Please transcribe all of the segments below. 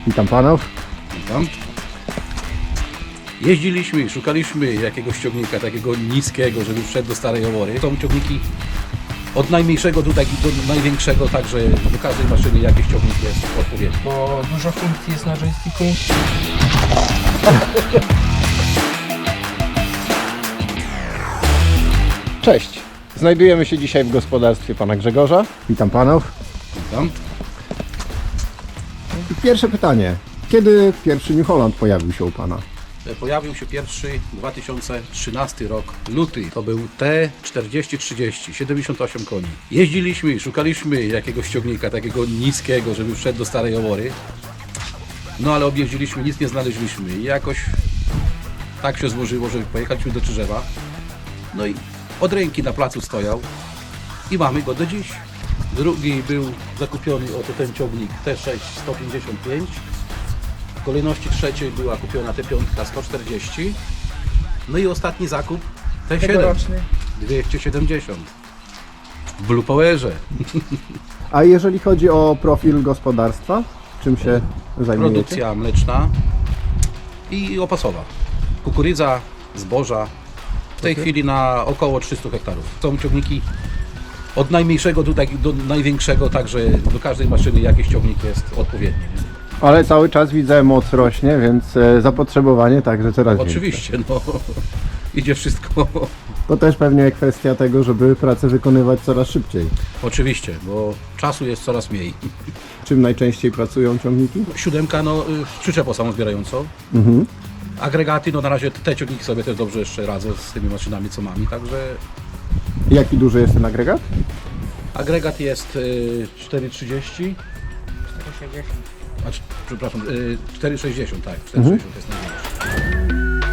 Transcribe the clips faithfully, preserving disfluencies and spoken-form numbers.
Witam panów. Witam. Jeździliśmy, szukaliśmy jakiegoś ciągnika takiego niskiego, żeby wszedł do Starej Jawory. Są ciągniki od najmniejszego do, do największego, także do każdej maszyny jakiś ciągnik jest odpowiedni. Bo dużo funkcji jest na joysticku. Cześć. Znajdujemy się dzisiaj w gospodarstwie pana Grzegorza. Witam panów. Witam. Pierwsze pytanie. Kiedy pierwszy New Holland pojawił się u pana? Pojawił się pierwszy dwa tysiące trzynasty rok, luty. To był T czterdzieści trzydzieści, siedemdziesiąt osiem koni. Jeździliśmy, szukaliśmy jakiegoś ciągnika takiego niskiego, żeby wszedł do Starej Jawory. No ale objeździliśmy, nic nie znaleźliśmy i jakoś tak się złożyło, że pojechaliśmy do Czyżewa. No i od ręki na placu stojał i mamy go do dziś. Drugi był zakupiony, oto ten ciągnik T sześć sto pięćdziesiąt pięć. W kolejności trzeciej była kupiona T pięć sto czterdzieści. No i ostatni zakup T siedem Tegoroczny. dwieście siedemdziesiąt w Blue Powerze. A jeżeli chodzi o profil gospodarstwa, czym się zajmujecie? Produkcja mleczna i opasowa. Kukurydza, zboża. W tej Okej. chwili na około trzysta hektarów. Są ciągniki od najmniejszego do, tak- do największego, także do każdej maszyny jakiś ciągnik jest odpowiedni. Nie? Ale cały czas widzę, moc rośnie, więc e, zapotrzebowanie także coraz większe. Oczywiście, no idzie wszystko. To też pewnie kwestia tego, żeby pracę wykonywać coraz szybciej. Oczywiście, bo czasu jest coraz mniej. Czym najczęściej pracują ciągniki? Siódemka, no y, przyczepą samozbierającą. Mhm. Agregaty, no na razie te ciągniki sobie też dobrze jeszcze radzą z tymi maszynami, co mamy, także Jaki duży jest ten agregat? agregat jest y, cztery trzydzieści, cztery sześćdziesiąt. a, c- przepraszam, y, cztery sześćdziesiąt, tak, cztery sześćdziesiąt jest największy.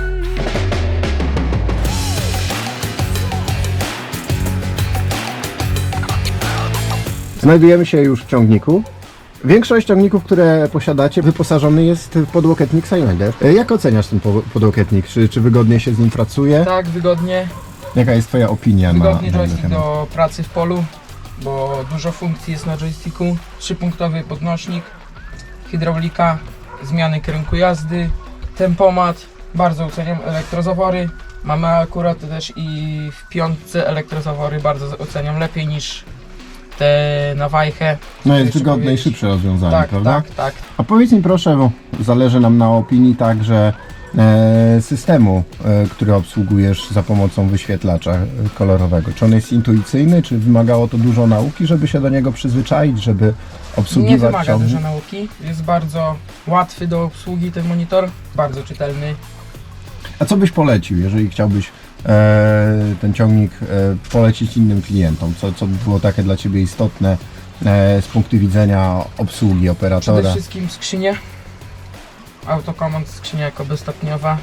Znajdujemy się już w ciągniku. Większość ciągników, które posiadacie, wyposażony jest w podłokietnik Silander. E, Jak oceniasz ten po- podłokietnik? Czy, czy wygodnie się z nim pracuje? Tak, wygodnie. Jaka jest twoja opinia na, Wygodnie na ten joystick temat? do pracy w polu, bo dużo funkcji jest na joysticku. Trzypunktowy podnośnik, hydraulika, zmiany kierunku jazdy, tempomat. Bardzo oceniam elektrozawory. Mamy akurat też i w piątce elektrozawory, bardzo oceniam lepiej niż te na wajchę. No jest Jeszcze wygodne i powiedzieć. szybsze rozwiązanie, Tak, prawda? tak, tak. A powiedz mi proszę, bo zależy nam na opinii także e, systemu, e, który obsługujesz za pomocą wyświetlacza e, kolorowego. Czy on jest intuicyjny, czy wymagało to dużo nauki, żeby się do niego przyzwyczaić, żeby Nie obsługiwać wymaga ciągnik? dużo nauki, jest bardzo łatwy do obsługi ten monitor, bardzo czytelny. A co byś polecił, jeżeli chciałbyś e, ten ciągnik e, polecić innym klientom? Co, co by było takie dla Ciebie istotne e, z punktu widzenia obsługi Przede operatora? wszystkim skrzynia, autokomand, skrzynia jako bezstopniowa.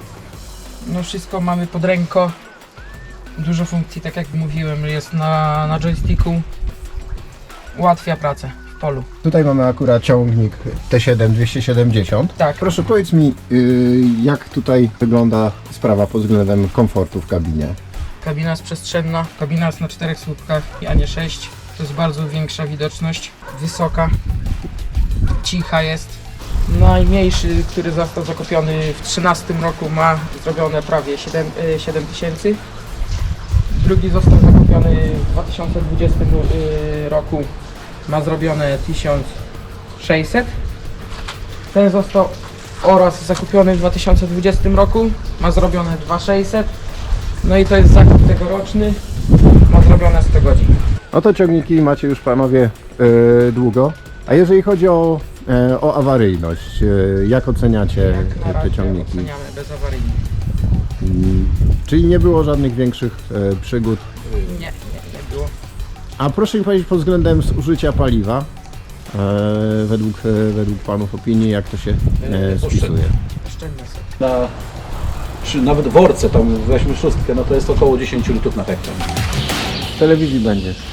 No wszystko mamy pod ręką, dużo funkcji, tak jak mówiłem, jest na, na joysticku, ułatwia pracę w polu. Tutaj mamy akurat ciągnik T siedem dwieście siedemdziesiąt. Tak, Proszę powiedz mi, y, jak tutaj wygląda sprawa pod względem komfortu w kabinie? kabina jest przestrzenna, kabina jest na czterech słupkach, a nie sześć. To jest bardzo większa widoczność, wysoka, cicha jest. Najmniejszy, który został zakupiony w trzynastym roku, ma zrobione prawie siedem tysięcy. Drugi został zakupiony w dwa tysiące dwudziestym y, roku, ma zrobione tysiąc sześćset. Ten został oraz zakupiony w dwa tysiące dwudziestym roku, ma zrobione dwa tysiące sześćset. No i to jest zakup tegoroczny, ma zrobione sto godzin. Oto ciągniki macie już panowie y, długo. A jeżeli chodzi o, y, o awaryjność, y, jak oceniacie Jak na te razie ciągniki? oceniamy bezawaryjnie. Mm, Czyli nie było żadnych większych y, przygód. Nie, nie, nie było. A proszę mi powiedzieć pod względem zużycia paliwa, y, według, y, według panów opinii, jak to się y, spisuje? Oszczędne są. Na, przy, nawet w worce, tam weźmy szóstkę, no to jest około dziesięć litrów na hektar. W telewizji będzie.